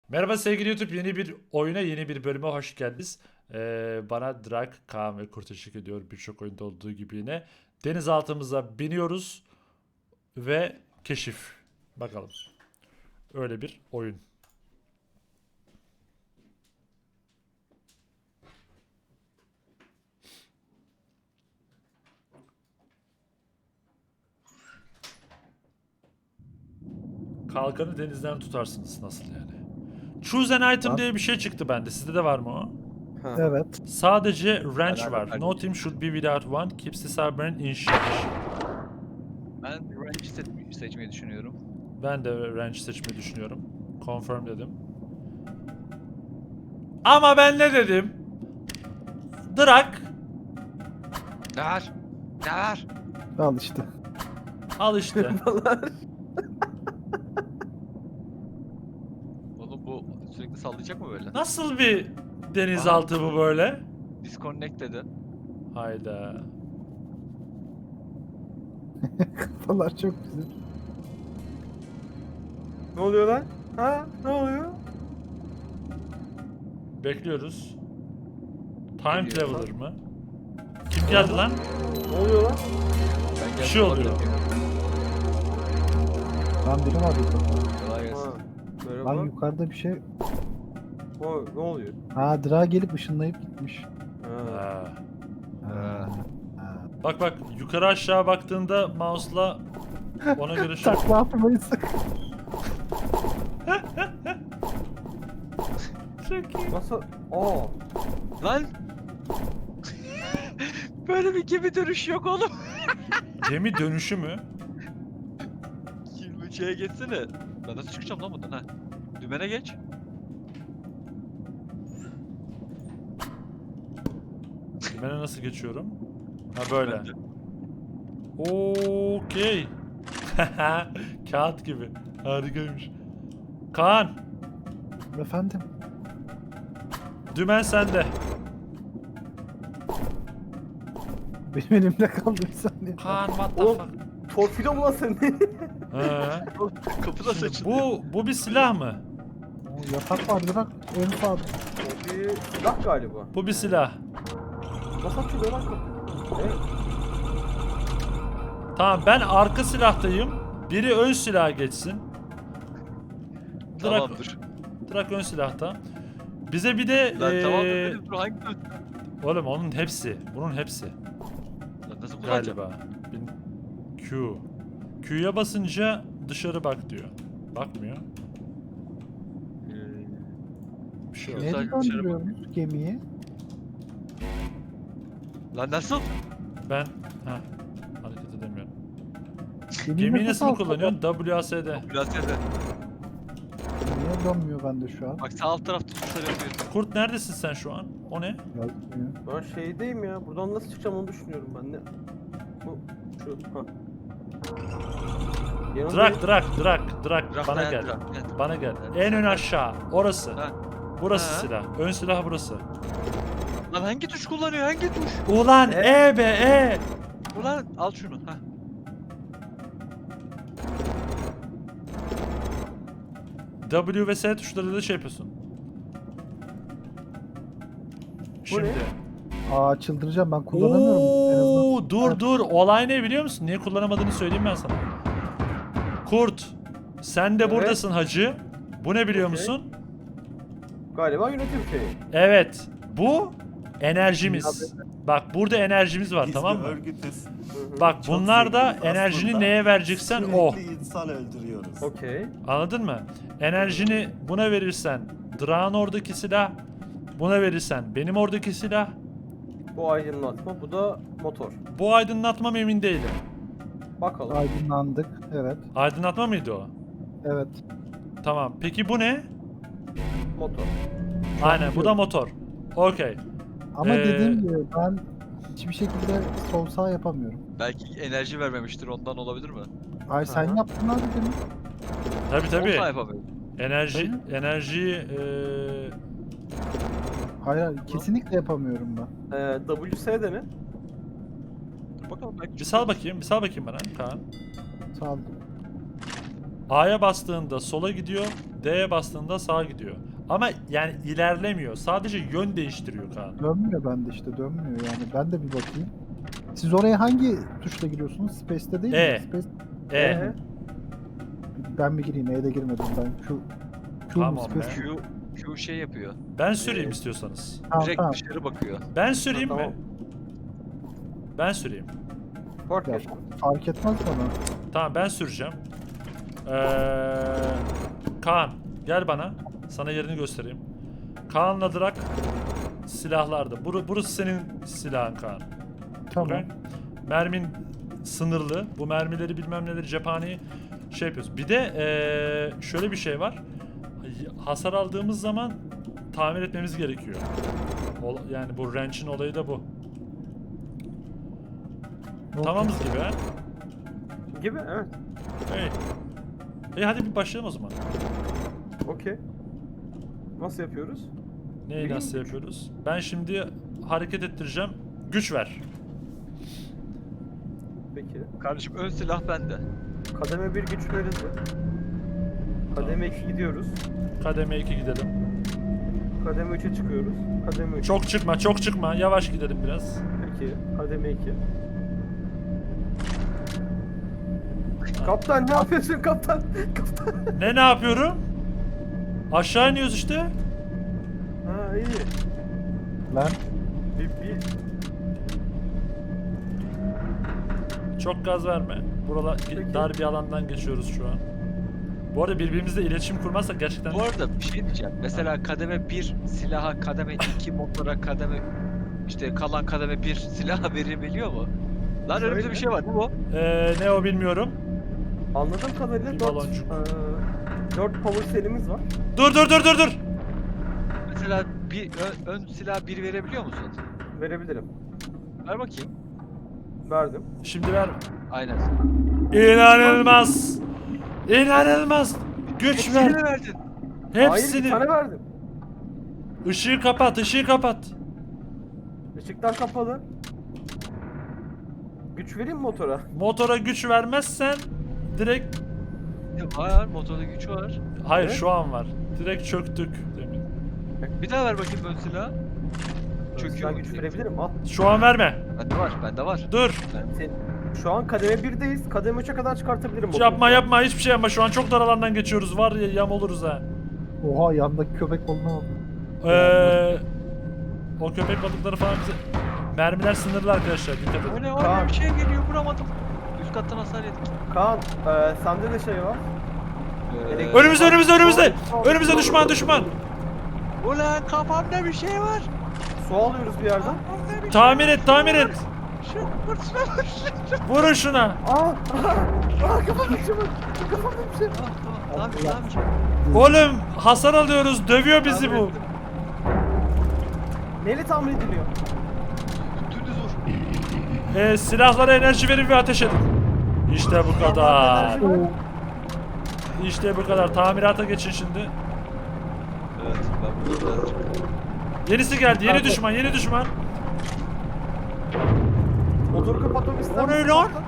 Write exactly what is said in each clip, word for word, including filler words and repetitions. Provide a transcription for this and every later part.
Merhaba sevgili YouTube, yeni bir oyuna, yeni bir bölüme hoş geldiniz. Ee, bana Drag, Kaan ve Kurt eşlik ediyor, birçok oyunda olduğu gibi yine. Denizaltımıza biniyoruz ve keşif. Bakalım. Öyle bir oyun. Kalkanı denizden tutarsınız, nasıl yani? Choose an item Var. diye bir şey çıktı bende. Sizde de var mı o? Ha. Evet. Sadece wrench Beraber var. No kardeşim. team should be without one. Keeps the submarine in shape. Ben range seç seçmeyi düşünüyorum. Ben de wrench seçmeyi düşünüyorum. Confirm dedim. Ama ben ne dedim? Drag. Ne var? Ne var? Al işte. Al işte. Oğlum bu sürekli sallayacak mı böyle? Nasıl bir denizaltı bu böyle? Disconnect dedi. Hayda. Kafalar çok güzel. Ne oluyor lan? Ha? Ne oluyor? Bekliyoruz. Time Geliyor. Traveler mı? Kim geldi lan? Ne oluyor lan? Ben Bir şey oluyor. Lan biri var yukarıda. Kolay gelsin. Ha. Merhaba. Lan yukarıda bir şey. O, ne oluyor? Ha Dra gelip ışınlayıp gitmiş. Ha. Ha. Ha. Ha. Bak bak, yukarı aşağı baktığında mouse'la ona göre şey. Takla atmayı sakın. Çok iyi. Nasıl? Aa. Lan! Böyle bir gemi dönüşü yok oğlum. Gemi dönüşü mü? yirmi şeye geçsene. Ben nasıl çıkacağım lan bundan ha? Dümene geç. Dümene nasıl geçiyorum? Ha böyle. Ben de. Okey. Kağıt gibi. Harikaymış. Kaan, Efendim. dümen sende. Benim elimde kaldı bir saniye. Kaan, what the Oğlum. fuck? Torpido mu lan sen? He. Kapıda Şimdi saçın. bu bu bir silah mı? O yatak var Dra. En sağda. O bir silah galiba. Bu bir silah. Nasıl açılıyor lan kapı? Evet. Tamam, ben arka silahtayım. Biri ön silaha geçsin. Drak, Tamamdır. Drak ön silahta. Bize bir de Lan eee, tamamdır dedim. Dur hangi dön? oğlum onun hepsi. Bunun hepsi Lan nasıl kullanacağım? galiba. Bin- Q. Q'ya basınca dışarı bak diyor. Bakmıyor. Bir şey yok. Yok. Neyle sadece dışarı döndürüyoruz gemiyi? Lan nasıl? Ben ha hareket edemiyorum. Gemiyi Gemiyi nasıl altta kullanıyorsun? W A S D. Biraz yerde. Niye dönmüyor bende şu an? Bak sağ alt tarafta tuşlar yapıyor. Kurt, neredesin sen şu an? O ne? Yazmıyor. Ben şeydeyim ya. Buradan nasıl çıkacağım onu düşünüyorum ben de. Bu şu. Ha. Yanındayım. Drak, Drak, Drak, Drak. Bırak Bana dayan, gel. bırak, gel. Bana gel. Evet. En ön aşağı. Orası. Ha. Burası Ha. silah. Ön silah burası. Lan hangi tuş kullanıyor? Hangi tuş? Ulan E? E be E. Ulan al şunu. Ha. W ve S tuşlarıyla da şey yapıyorsun. Şimdi. Aa çıldıracağım ben kullanamıyorum. En azından. Oo, dur dur. Olay ne biliyor musun? Niye kullanamadığını söyleyeyim ben sana. Kurt, sen de Evet. buradasın hacı. Bu ne biliyor Okey. musun? Galiba yönetim şeyi. Evet. Bu enerjimiz. Bak burada enerjimiz var, tamam mı? Örgütüz. Hı hı. Bak Çok bunlar da zenginiz. enerjini Aslında neye vereceksen o. Sürekli insan öldürüyoruz. Okey. Anladın mı? Enerjini buna verirsen Drak'ın oradaki silah, buna verirsen benim oradaki silah. Bu aydınlatma. Bu da motor. Bu aydınlatma mı emin değilim. Bakalım. Aydınlandık. Evet. Aydınlatma mıydı o? Evet. Tamam. Peki bu ne? Motor. Aynen, bu da motor. Okey. Ama Ee, dediğim gibi ben hiçbir şekilde sol sağ yapamıyorum. Belki enerji vermemiştir ondan olabilir mi? Ay sen Aha. yaptın abi demin. Tabii tabii. Olsa yapamıyorum. Enerji, enerjiyi eee Hayır hayır, kesinlikle yapamıyorum ben. Ee, W S de ne? Dur bakalım belki. bir sal bakayım, bir sal bakayım bana Kaan. Sağ ol. A'ya bastığında sola gidiyor, D'ye bastığında sağa gidiyor. Ama yani ilerlemiyor. Sadece yön değiştiriyor Kaan. Dönmüyor bende işte dönmüyor yani. Ben de bir bakayım. Siz oraya hangi tuşla giriyorsunuz? Space'te değil E. mi? Space. E. Ee, Ben mi gireyim? E'de girmedim ben. Q. Q Tamam mu? Space. be. Q, Q şey yapıyor. Ben süreyim Ee, istiyorsanız. Tamam Direkt tamam. dışarı bakıyor. Ben süreyim Tamam. mi? Ben süreyim. fark Ya, et. fark etmez bana. Tamam ben süreceğim. Ee, Kaan gel bana. Sana yerini göstereyim. Kaan'la Drak silahlarda. Bur burası senin silahın Kaan. Tamam. Okey? Mermin sınırlı. Bu mermileri bilmem neleri cephaneyi şey yapıyoruz. Bir de ee, şöyle bir şey var. Hasar aldığımız zaman tamir etmemiz gerekiyor. Ol- yani bu wrench'in olayı da bu. Tamamız gibi ha. Gibi evet. Evet. İyi hadi bir başlayalım o zaman. Okey. Nasıl yapıyoruz? Neyi Bileyim nasıl güç. yapıyoruz? Ben şimdi hareket ettireceğim. Güç ver. Peki. Kardeşim ön silah bende. Kademe bir güç verildi. Kademe iki gidiyoruz. Kademe iki gidelim. Kademe üçe çıkıyoruz. Kademe üç. Çok çıkma, çok çıkma. Yavaş gidelim biraz. Peki. Kademe iki. Kaptan ne yapıyorsun kaptan? Kaptan. Ne ne yapıyorum? Aşağı iniyoruz işte. Ha iyi. Lan Bir, bir... Çok gaz verme. Buralar Peki. dar bir alandan geçiyoruz şu an. Bu arada birbirimizle iletişim kurmazsak gerçekten... Bu arada bir şey diyeceğim. Mesela kademe bir silaha, kademe iki motora, kademe işte kalan kademe bir silaha verebiliyor mu? Lan önümüzde Şöyle. bir şey var. Bu mu? Ee, ne o bilmiyorum. Anladığım kadarıyla Bir dört, baloncuk. eee, dört power cell'imiz var. Dur dur dur dur dur. Mesela bir ön, ön silah bir verebiliyor musun? Verebilirim. Ver bakayım. Verdim. Şimdi ver. Aynen. İnanılmaz. İnanılmaz. Güç Hepsini ver. mi verdin? Hayır bir Hepsini. tane verdim. Işığı kapat, ışığı kapat. Işıklar kapalı. Güç vereyim mi motora? Motora güç vermezsen direkt... Ya var, motorda güç var. Hayır Evet. şu an var. Direkt çöktük demin. Bir daha ver bakayım ön silahı. Çöküyor Ben mu güç direkt? verebilirim al. Şu an verme. Bende var, bende var. Dur. Sen, şu an kademe birdeyiz. Kademe üçe kadar çıkartabilirim motoru. Yapma yapma hiçbir şey yapma. Şu an çok dar alandan geçiyoruz. Var ya yam oluruz ha. oha yandaki köpek balığına bak. Ee, o köpek balıkları falan bize... Mermiler sınırlı arkadaşlar. Dikkat O edin. ne o Kaan. ne bir şey geliyor vuramadım. Üst kattan hasar yedik. Kaan eee sende de şey var. Ee, Önümüzde önümüzde önümüzde. Sol- Önümüzde düşman düşman. Ulan kafamda bir şey var. Su alıyoruz bir yerden. Kafamda bir Tamir şey et tamir et. Şu vur şuna vur şuna. Vurun şuna. Aa! Aa kafamda bir şey var. Kafamda bir şey var. Tamam tamam tamam. tamam. Oğlum hasar alıyoruz. Dövüyor bizi Tamir bu. ettim. Neyle tamir ediliyor? Dümdüz vur. Ee, silahlara enerji verin ve ateş edin. İşte bu kadar. Enerji var. İşte bu kadar. Tamirata geçin şimdi. Evet ben burada birazcık. Yenisi geldi. Yeni düşman. Yeni düşman. Motoru kapatmamı ister O ne misin lan? kaptan?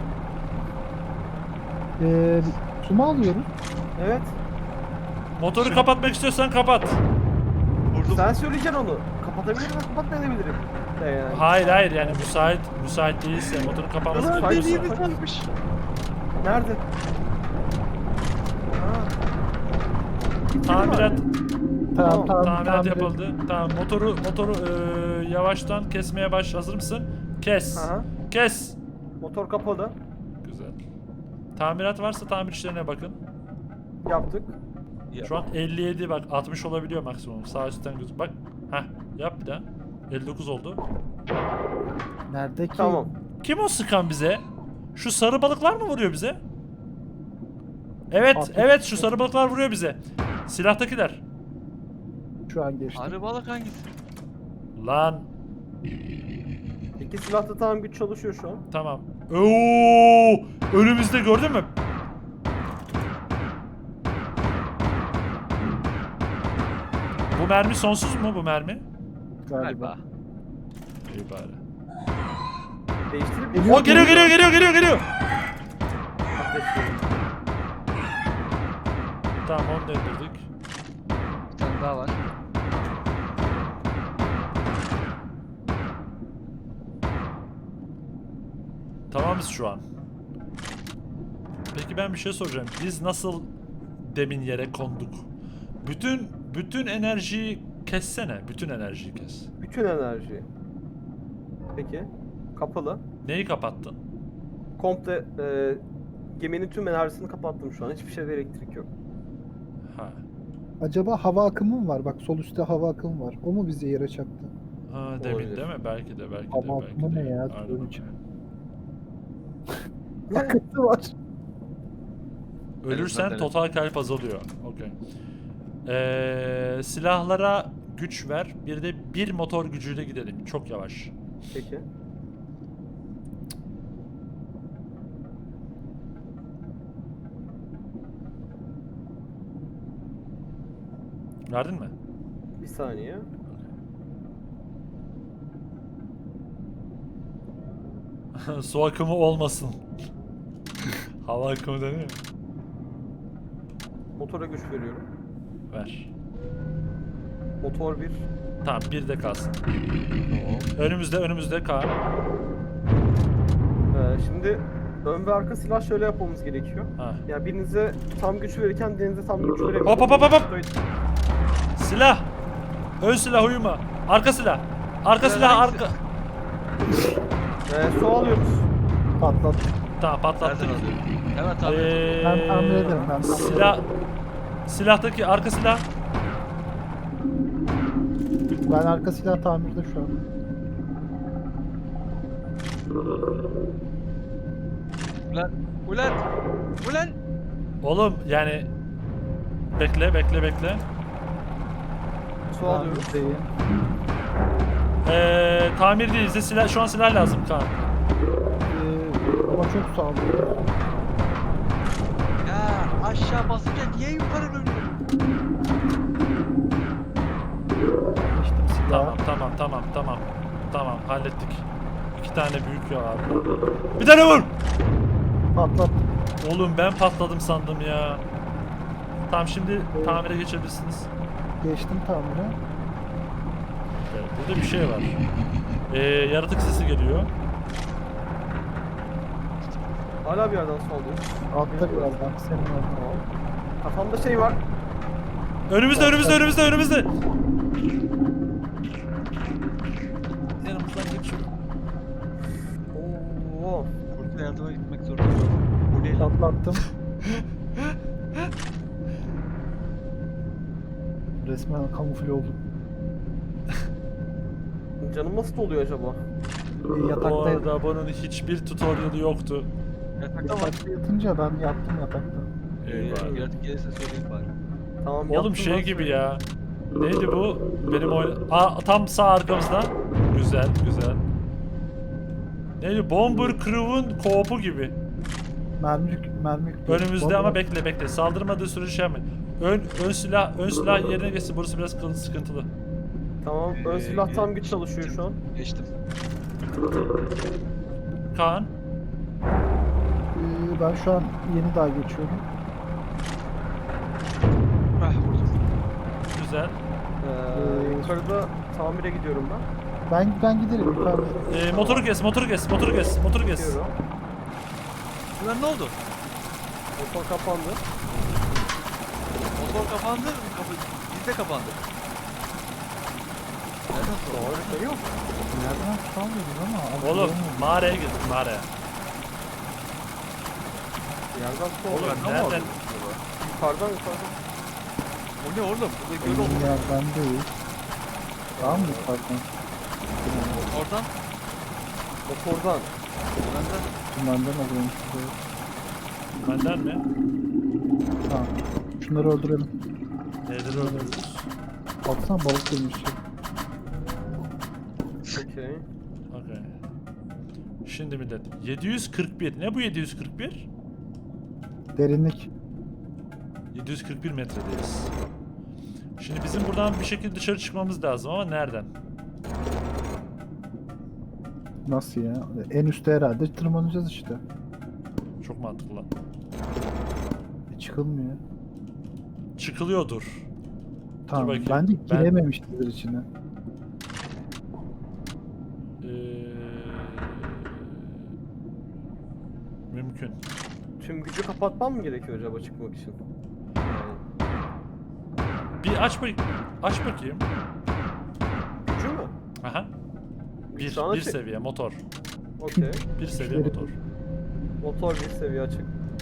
Ee, su mu alıyoruz? Evet. Motoru kapatmak istiyorsan kapat. Vurdum. Sen söyleyeceksin onu. Kapatabilirim ve kapatmayabilirim. De yani. Hayır hayır yani müsait müsait değilse motorun kapanması Ulan gerekiyorsa. dediğimiz varmış. Nerede? Ha. Tamirat Tamam Tamam, tamam. tamirat tamir- yapıldı. Tamam motoru motoru eee, yavaştan kesmeye baş. Hazır mısın? Kes. Aha. Kes. Motor kapalı. Güzel. Tamirat varsa tamir işlerine bakın. Yaptık. Şu an elli yedi bak altmış olabiliyor maksimum. Sağ üstten göz. Bak. Heh. Yap bir daha. elli dokuz oldu. Nerede ki? Tamam. Kim o sıkan bize? Şu sarı balıklar mı vuruyor bize? Evet, Artık- evet şu sarı balıklar vuruyor bize. Silahtakiler. Şu an geçti. Arı balık hangisi? Lan İki silahta tamam güç çalışıyor şu an. tamam. Oo! Önümüzde gördün mü? Bu mermi sonsuz mu bu mermi? Galiba. İyi bari. Değiştirip Geliyor, O geliyor geliyor geliyor geliyor geliyor. Ateşleyelim. Tamam onu da indirdik. Bir tane daha var. Tamamız şu an. Peki ben bir şey soracağım. Biz nasıl demin yere konduk? Bütün bütün enerjiyi kessene. Bütün enerjiyi kes. Bütün enerji. Peki. Kapalı. Neyi kapattın? Komple e, geminin tüm enerjisini kapattım şu an. Hiçbir şeyde elektrik yok. Ha. Acaba hava akımı mı var? Bak sol üstte hava akımı var. O mu bizi yere çaktı? Ha demin Olabilir. değil mi? Belki de belki de Hava belki akımı de. ne ya? Aynen. Suyun içi. Akıntı var. Ölürsen Evet. total kalp azalıyor. Okey. Ee, silahlara güç ver. Bir de bir motor gücüyle gidelim. Çok yavaş. Peki. Verdin mi? Bir saniye. Su akımı olmasın. Hava akımı deniyor. Motora güç veriyorum. Ver. Motor bir. Tamam bir de kalsın. Önümüzde önümüzde Kaan. Ee, şimdi ön ve arka silah şöyle yapmamız gerekiyor. Ha. Ya birinize tam güç verirken diğerinize tam güç veremiyor. Hop hop hop hop hop. Silah. Ön silah uyuma. Arka silah. Arka silah hangisi? arka. Ee, su alıyoruz. Patlat. Tamam patlattık. Nereden alıyorum? Hemen tahmin Ee, ediyorum. Ben tahmin ederim, ben tahmin silah. Silahtaki arka silah. Ben arka silah tamirde şu an. Ulan. Ulan. Ulan. Oğlum yani bekle bekle bekle. Su alıyoruz. Tamirdeyim. Ee, tamir değil bize silah şu an silah lazım Kaan. Ee, ama çok sağ olun. Ya aşağı basınca niye yukarı dönüyor? Geçtim silah. Tamam tamam tamam tamam. Tamam hallettik. İki tane büyük ya abi. Bir tane vur. Patlat. Oğlum ben patladım sandım ya. Tamam şimdi tamire geçebilirsiniz. Geçtim tamire. Evet, burada bir şey var. Ee, yaratık sesi geliyor. Hala bir yerden su alıyoruz. Altta birazdan. Senin orada. Tamam. Kafamda şey var. Önümüzde önümüzde önümüzde önümüzde. Yanımızdan geçiyor. Oo. Kurtla yardıma gitmek zorundayım. Bu ne lan? Patlattım. Resmen kamufle oldum. Canım nasıl doluyor acaba? Ee, Bu yataktaydım. arada bunun hiçbir tutorial'ı yoktu. Yatakta var. Yatakta yatınca ben yattım yatakta. Eyvah. Ee, yaratık gelirse söyleyeyim bari. Tamam. Oğlum yaptım şey lan gibi suyu. ya. Neydi bu? Benim oyun... Aa tam sağ arkamızda. Güzel güzel. Neydi? Bomber Crew'un co-op'u gibi. Mermi yük- mermi yüklü. Önümüzde Bomba- ama bekle bekle. Saldırmadığı sürece şey yapma. Ön, ön silah ön silah yerine geçsin. Burası biraz kıl- sıkıntılı. Tamam. Ön Ee, silah tam güç çalışıyor şu an. Geçtim. Kaan. Ee, ben şu an yeni daha geçiyorum. Ah vurdum. Güzel. Ee, yukarıda tamire gidiyorum ben. Ben ben giderim yukarıda. Ee, motoru kes, motoru kes, motoru kes, motoru kes. Gidiyorum. Ulan ne oldu? Motor kapandı. Motor kapandı. Kapı bizde kapandı. Nereden sonra? Doğru şey yok. Nereden tutamıyoruz ama. Oğlum algılayamıyorum. mağaraya girdik mağaraya. Yerden su Oğlum alıyor. nereden? Yukarıdan yukarıdan. O ne oğlum? Burada göl Benim oldu. yerden değil. Daha mı yukarıdan? Oradan. Motordan. Benden. Tümenden alıyorum size. Benden mi? Ha. Şunları öldürelim. Nedir öldürürüz? Baksana balık girmiş. Okey. Okey. Şimdi millet. yedi yüz kırk bir. Ne bu yedi yüz kırk bir? Derinlik. yedi yüz kırk bir metredeyiz. Şimdi bizim buradan bir şekilde dışarı çıkmamız lazım ama nereden? Nasıl ya? En üstte herhalde tırmanacağız işte. Çok mantıklı lan. E, çıkılmıyor. çıkılıyordur. Tamam. bakayım. Ben de Ben- girememiştir içine. Ee, mümkün. Tüm gücü kapatmam mı gerekiyor acaba çıkmak için? Yani Bir aç bak aç bakayım. gücü mü? Aha. Bir, Şu an bir açık. seviye motor. Okey. Bir seviye Güçleri- motor. Motor bir seviye açık.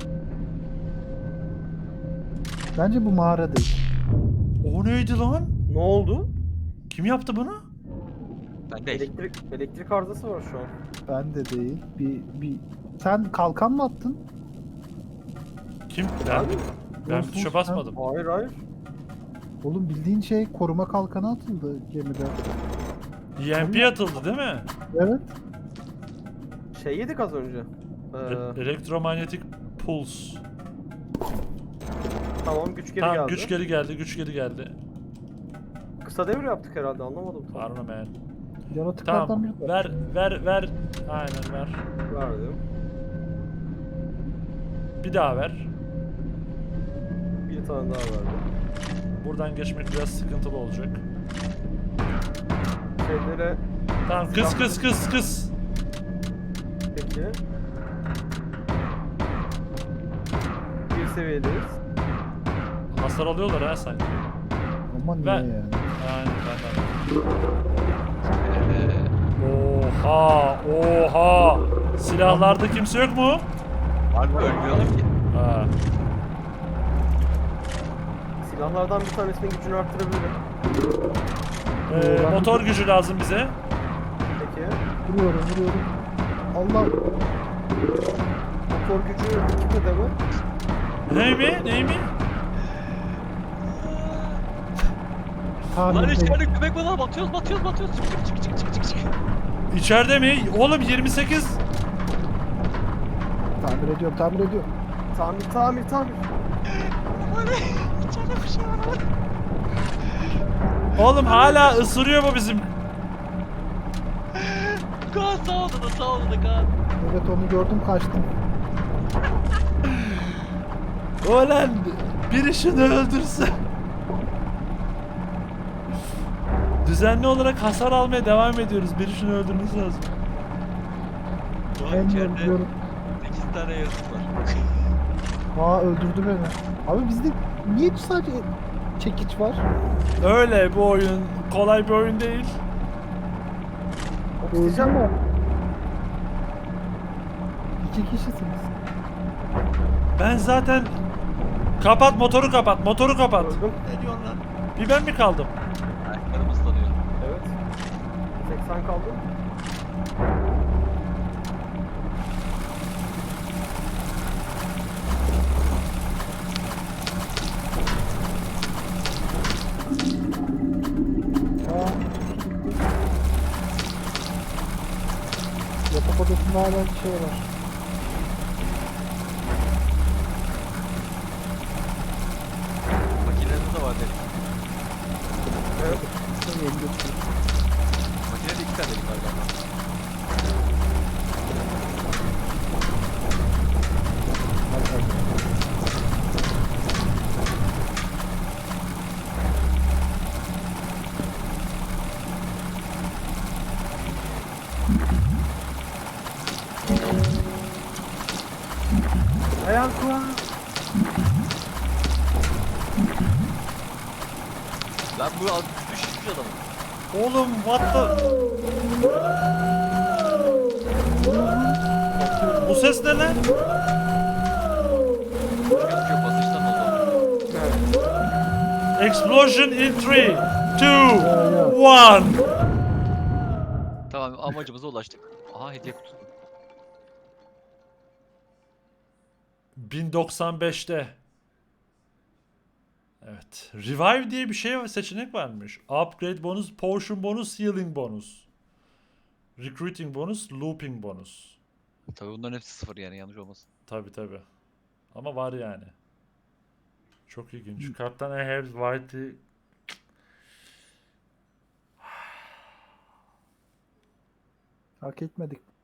Bence bu mağara değil. O neydi lan? Ne oldu? Kim yaptı bunu? Ben değil. Elektrik elektrik arızası var şu an. Ben de değil. Bir, bir... Sen kalkan mı attın? Kim? Ben, Abi, ben Olsun, tuşa sen- basmadım. Hayır hayır. Oğlum bildiğin şey koruma kalkanı atıldı gemide. E M P atıldı değil mi? Evet. Şey yedik az önce. E- Ee, elektromanyetik puls. tamam güç geri Tamam geldi. güç geri geldi, güç geri geldi. Kısa devir yaptık herhalde anlamadım. tam. Var mı man? Yaratıklardan Tamam. biri de. Ver, ver, ver. Aynen ver. Verdim. Bir daha ver. Bir tane daha verdim. Buradan geçmek biraz sıkıntılı olacak. Şeylere Tamam kıs kıs kıs kıs. peki. Bir seviyedeyiz. Hasar alıyorlar ha sanki. Ama niye Ver. yani? Aynen ben Ee, Oha, oha. Silahlarda kimse yok mu? harbi ölmüyorlar ki. Ha. Silahlardan bir tanesinin gücünü arttırabilirim. Ee, motor gücü lazım bize. Peki. Vuruyorum vuruyorum. Allah. Motor gücü iki kademe. Ney mi? Ney mi? Lan Tamir değil. içeride köpek balığı batıyoruz batıyoruz batıyoruz. Çık çık çık çık çık çık çık. İçeride mi? Oğlum yirmi sekiz. Tamir ediyorum tamir ediyorum. Tamir tamir tamir. Aman içeride bir şey var ama. Oğlum hala ısırıyor bu bizim. Kaan sağ oldu da sağ oldu da Kaan. Evet onu gördüm kaçtım. Ulan biri şunu öldürse. Düzenli olarak hasar almaya devam ediyoruz. Biri şunu öldürmesi lazım. Kaan Ben içeride öldürüyorum. sekiz tane yaratık var. Aa öldürdü beni. Abi bizde niye sadece çekiç var? Öyle bu oyun kolay bir oyun değil. Öleceğim mi? İki kişisiniz. Ben zaten kapat motoru kapat motoru kapat. Öldüm. Ne diyorsun lan? Bir ben mi kaldım? Ayaklarım ıslanıyor. Evet. seksen kaldı. Aa. Yatak odasında hala bir şey var. Makineniz de var dedik. Evet. Yeni götürüyorum. Makinede iki tane dedik var galiba. Hadi hadi. Ayağım kuğa. Lan bu az düşmüş adamı. Oğlum what the... Bu ses ne lan? Gözüküyor basınçtan oldu. Evet. Explosion in three, two, one. Tamam amacımıza ulaştık. Aha hediye kutusu. bin doksan beşte. Evet. Revive diye bir şey var, seçenek varmış. Upgrade bonus, potion bonus, healing bonus. Recruiting bonus, looping bonus. Tabii bunların hepsi sıfır yani yanlış olmasın. Tabi tabi. Ama var yani. Çok ilginç. Kaptan I have white. Hak etmedik.